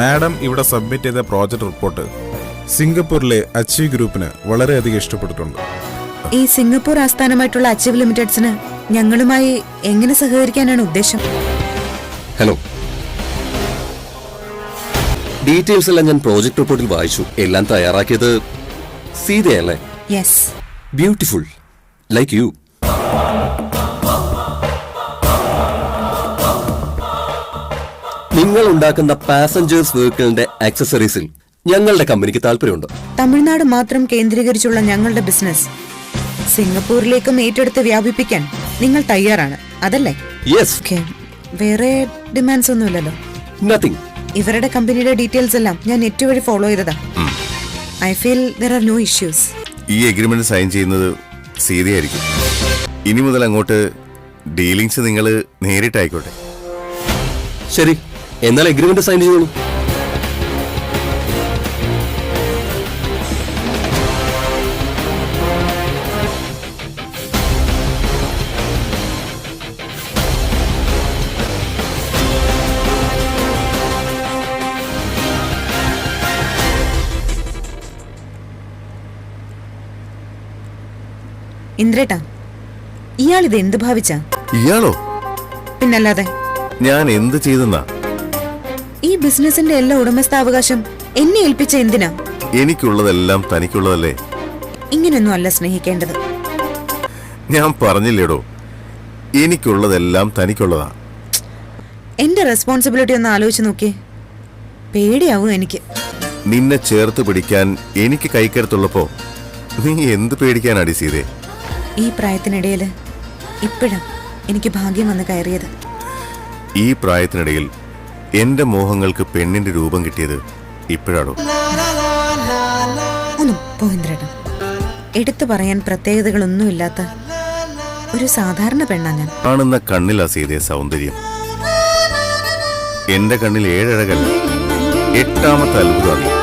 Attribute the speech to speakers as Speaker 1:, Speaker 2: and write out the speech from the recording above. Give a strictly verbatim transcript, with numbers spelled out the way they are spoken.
Speaker 1: Madam ഇവിടെ submit ചെയ്ത project report സിംഗപ്പൂരിലെ achieve ഗ്രൂപ്പിന് വളരെയധികം ഇഷ്ടപ്പെട്ടിട്ടുണ്ട്.
Speaker 2: ഈ സിംഗപ്പൂർ ആസ്ഥാനമായിട്ടുള്ള അച്ചീവ് ലിമിറ്റഡ്സിന് ഞങ്ങളുമായി എങ്ങനെ സഹകരിക്കാനാണ് ഉദ്ദേശം?
Speaker 3: ഹലോ, ഡീറ്റെയിൽസ് എല്ലാം ഞാൻ പ്രോജക്ട് റിപ്പോർട്ടിൽ വായിച്ചു. എല്ലാം തയ്യാറാക്കിയത് സീതയല്ലേ?
Speaker 2: യെസ്.
Speaker 3: Beautiful, like you. നിങ്ങൾ ഉണ്ടാക്കുന്ന പാസഞ്ചേഴ്സ് വെഹിക്കിളിന്റെ ആക്സസറീസിൽ ഞങ്ങളുടെ കമ്പനിക്ക് താല്പര്യമുണ്ട്.
Speaker 2: തമിഴ്നാട് മാത്രം കേന്ദ്രീകരിച്ചുള്ള ഞങ്ങളുടെ ബിസിനസ് സിംഗപ്പൂരിലേക്കും ഏറ്റെടുത്ത് വ്യാപിപ്പിക്കാൻ നിങ്ങൾ തയ്യാറാണ്, അതല്ലേ?
Speaker 3: യെസ്.
Speaker 2: വേറെ ഡിമാൻഡ്സ് ഒന്നുമില്ലല്ലോ?
Speaker 3: നത്തിങ്.
Speaker 2: ഇവരുടെ കമ്പനിയുടെ ഡീറ്റെയിൽസ് എല്ലാം ഞാൻ നെറ്റ് വഴി ഫോളോ ചെയ്തതാ. I feel there are no issues.
Speaker 4: ഈ എഗ്രിമെന്റ് സൈൻ ചെയ്യുന്നത് സീതയായിരിക്കും. ഇനി മുതൽ അങ്ങോട്ട് ഡീലിങ്സ് നിങ്ങൾ നേരിട്ടായിക്കോട്ടെ.
Speaker 3: ശരി, എന്നാൽ എഗ്രിമെന്റ് സൈൻ ചെയ്തോളൂ.
Speaker 2: ഇന്ദ്രേട്ടാ, ഇയാൾ ഇത് എന്ത് ഭാവിച്ച?
Speaker 4: ഇയാളോ?
Speaker 2: പിന്നല്ലാതെ.
Speaker 4: ഞാൻ എന്ത് ചെയ്തെന്നാ?
Speaker 2: ഈ ബിസിനസിന്റെ എല്ലാ ഉടമസ്ഥാവകാശം എന്നെ ഏൽപ്പിച്ച എന്തിനാ?
Speaker 4: എനിക്കുള്ളതെല്ലാം തനിക്കുള്ളതല്ലേ?
Speaker 2: ഇങ്ങനെയൊന്നും അല്ല സ്നേഹിക്കേണ്ടത്.
Speaker 4: ഞാൻ പറഞ്ഞില്ലേടോ, എനിക്കുള്ളതെല്ലാം തനിക്കുള്ളതാ.
Speaker 2: എന്റെ റെസ്പോൺസിബിലിറ്റി ഒന്ന് ആലോചിച്ച് നോക്കിയേ. പേടിയാവും എനിക്ക്.
Speaker 4: നിന്നെ ചേർത്ത് പിടിക്കാൻ എനിക്ക് കൈക്കരുത്തുള്ളപ്പോ നീ എന്ത് പേടിക്കാനാടി സീതേ?
Speaker 2: ഈ പ്രായത്തിനിടയില് ഇപ്പോഴാ എനിക്ക് ഭാഗ്യം വന്ന് കയറിയത്.
Speaker 4: ഈ പ്രായത്തിനിടയിൽ എന്റെ മോഹങ്ങൾക്ക് പെണ്ണിന്റെ രൂപം കിട്ടിയത് ഇപ്പോഴാണോ?
Speaker 2: ഒന്നും പോയിന്ദ്രേട്ടൻ, എടുത്തു പറയാൻ പ്രത്യേകതകളൊന്നുമില്ലാത്ത ഒരു സാധാരണ പെണ്ണാ ഞാൻ.
Speaker 4: കാണുന്ന കണ്ണിലാ സീതേ സൗന്ദര്യം. എന്റെ കണ്ണിൽ ഏഴഴകല്ല, എട്ടാമത്തെ അത്ഭുതമാണ്.